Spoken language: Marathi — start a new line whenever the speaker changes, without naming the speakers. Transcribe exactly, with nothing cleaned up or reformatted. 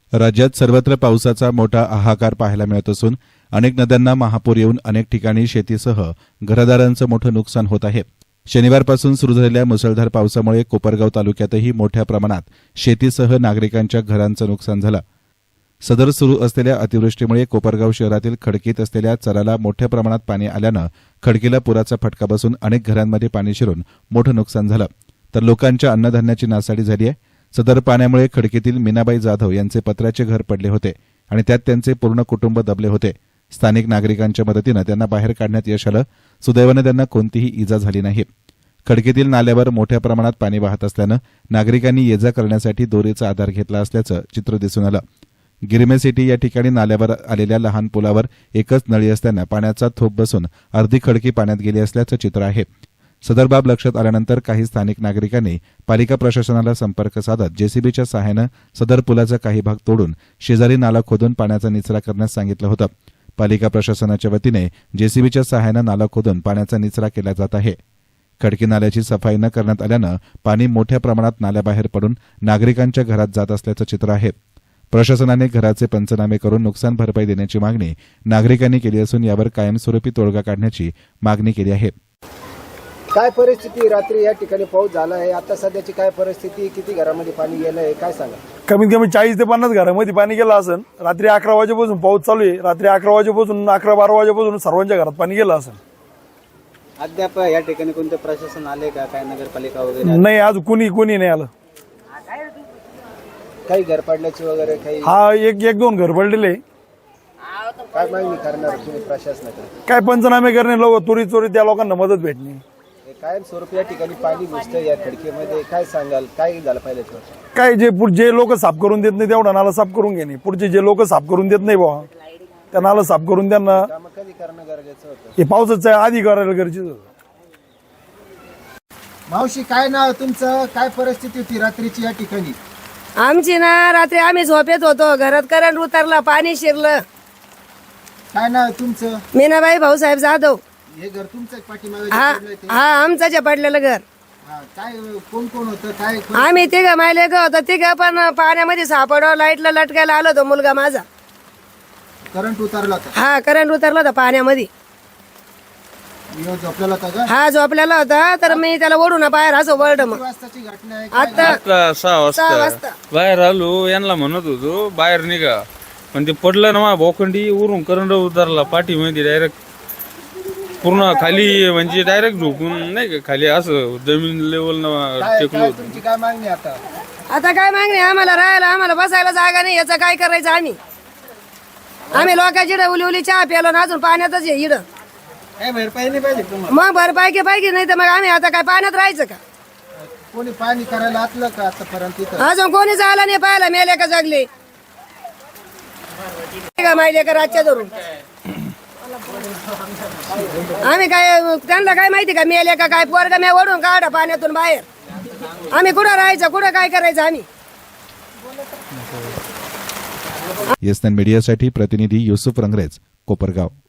राज्यात सर्वत्र पावसाचा मोठा हाहाकार पाहायला मिळत असून अनेक नद्यांना महापूर येऊन अनेक ठिकाणी शेतीसह घरदारांचं मोठं नुकसान होत आहे। शनिवारपासून सुरू झालेल्या मुसळधार पावसामुळे कोपरगाव तालुक्यातही मोठ्या प्रमाणात शेतीसह नागरिकांच्या घरांचं नुकसान झालं। सदर सुरू असलेल्या अतिवृष्टीमुळे कोपरगाव शहरातील खडकीत असलेल्या चराला मोठ्या प्रमाणात पाणी आल्यानं खडकीला पुराचा फटका बसून अनेक घरांमध्ये पाणी शिरून मोठं नुकसान झालं, तर लोकांच्या अन्नधान्याची नासाडी झाली आहे। सदर पाण्यामुळे खडकीतील मीनाबाई जाधव यांचे पत्र्याचे घर पडले होते आणि त्यात त्यांचे पूर्ण कुटुंब दबले होते। स्थानिक नागरिकांच्या मदतीनं त्यांना बाहेर काढण्यात यश आलं। सुदैवानं त्यांना कोणतीही इजा झाली नाही। खडकीतील नाल्यावर मोठ्या प्रमाणात पाणी वाहत असल्यानं नागरिकांनी ये जा करण्यासाठी दोरीचा आधार घेतला असल्याचं चित्र दिसून आलं। गिरमे सिटी या ठिकाणी नाल्यावर आलेल्या लहान पुलावर एकच नळी असल्यानं पाण्याचा थोप बसून अर्धी खडकी पाण्यात गेली असल्याचं चित्र आहे। सदर बाब लक्षात आल्यानंतर काही स्थानिक नागरिकांनी पालिका प्रशासनाला संपर्क साधत जेसीबीच्या सहाय्यानं सदर पुलाचा काही भाग तोडून शेजारी नाला खोदून पाण्याचा निचरा करण्यास सांगितलं होतं। पालिका प्रशासनाच्या वतीने जेसीबीच्या सहाय्यानं नाला खोदून पाण्याचा निचरा केला जात आहे। खडकी नाल्याची सफाई न करण्यात आल्यानं पाणी मोठ्या प्रमाणात नाल्याबाहेर पडून नागरिकांच्या घरात जात असल्याचं चित्र आहे। प्रशासनाने घराचे पंचनामे करून नुकसान भरपाई देण्याची मागणी नागरिकांनी केली असून यावर कायमस्वरूपी तोडगा काढण्याची मागणी केली आहे।
काय परिस्थिती रात्री या ठिकाणी पाऊस झाला आहे, आता सध्याची काय परिस्थिती, किती घरामध्ये पाणी गेलं आहे काय सांगा?
कमीत कमी चाळीस ते पन्नास घरामध्ये पाणी गेलं असेल। रात्री अकरा वाजेपासून पाऊस चालू आहे। रात्री अकरा वाजेपासून अकरा बारा वाजेपासून सर्वांच्या घरात पाणी गेलं असेल।
अद्याप या ठिकाणी कोणते प्रशासन आले का, काय नगरपालिका वगैरे?
नाही, आज कुणी कुणी नाही आलं।
काही घर पडल्याची वगैरे काही?
हा, एक एक दोन घर पडलेले।
काय मागणी करणार तुम्ही प्रशासनाकडे?
काय पंचनामे करणे, लोक चोरी चोरी त्या लोकांना मदत भेटणे।
कायम स्वरूपी या ठिकाणी पाणी घुसतं या खडकीमध्ये, काय सांगाल, काय झालं पाहिजे?
काय जे जे लोक साफ करून देत नाही तेवढा नाला साफ करून घेणे, पुढचे जे लोक साफ करून देत नाही बाबा त्या नाला साफ करून त्यांना
कधी करणं गरजेचं होतं?
हे पावसाचं आधी करायला गरजेचं होतं।
मावशी, काय नाव तुमचं, काय परिस्थिती होती रात्रीची या ठिकाणी?
आमची ना रात्री आम्ही झोपेत होतो, घरात करंट उतरला, पाणी शिरलं।
काय नाव तुमचं?
मीनाबाई भाऊसाहेब जाधव।
हे घर तुमचं पाठीमागे
हा
पडलंय ते?
हा आमचं जे पडलेलं घर।
हा, काय कोण कोण होतं, काय?
आम्ही तिघ मायले ग होतो, तिघ पण पाण्यामध्ये सापडव, लाईटला लटकायला आलो होतो मुलगा माझा।
करंट उतरला होता?
हा, करंट उतरला होता पाण्यामध्ये।
ह्यो झोपलेला होता का?
हा, झोपलेला होता, तर मी त्याला ओढून बाहेर असं वरड मग
किती वाजताची घटना आहे?
आता
आता सहा
सहा
वाजता
वाजता
बाहेर आलो, यांना म्हणत होतो बाहेर निघा, पण ते पडलं ना मा भोखंडी उरून करंट उतरला पाठीमध्ये डायरेक्ट पूर्ण खाली, म्हणजे डायरेक्ट झोपून नाही का खाली असं जमीन लेवल
काय
टेकलो
काय
होतो।
तुमची काय मागणी आता?
आता काय मागणी, आम्हाला राहायला, आम्हाला बसायला जागा नाही, याचं काय करायचं आम्ही? आम्ही लोकांची इडं उली उली चहा प्यालो ना अजून पाण्यातच आहे इडं।
काय भरपाई नाही पाहिजे तुम्हाला?
मग भरपाई की पाहिजे, नाही तर मग आम्ही आता काय पाण्यात राहायचं का?
कोणी पाणी करायला आतलं का आतापर्यंत इथं?
अजून कोणी झाला नाही पाहायला, मेले का जगले का माहिले का रातच्या धरून? आम्ही काय त्यांना काय माहिती का मेले का काय? पोरगा मी ओढून काढा पाण्यातून बाहेर, आम्ही कुठं राहायचं, कुठं काय करायचं आम्ही?
येस मीडियासाठी प्रतिनिधी युसुफ रंगरेज, कोपरगाव।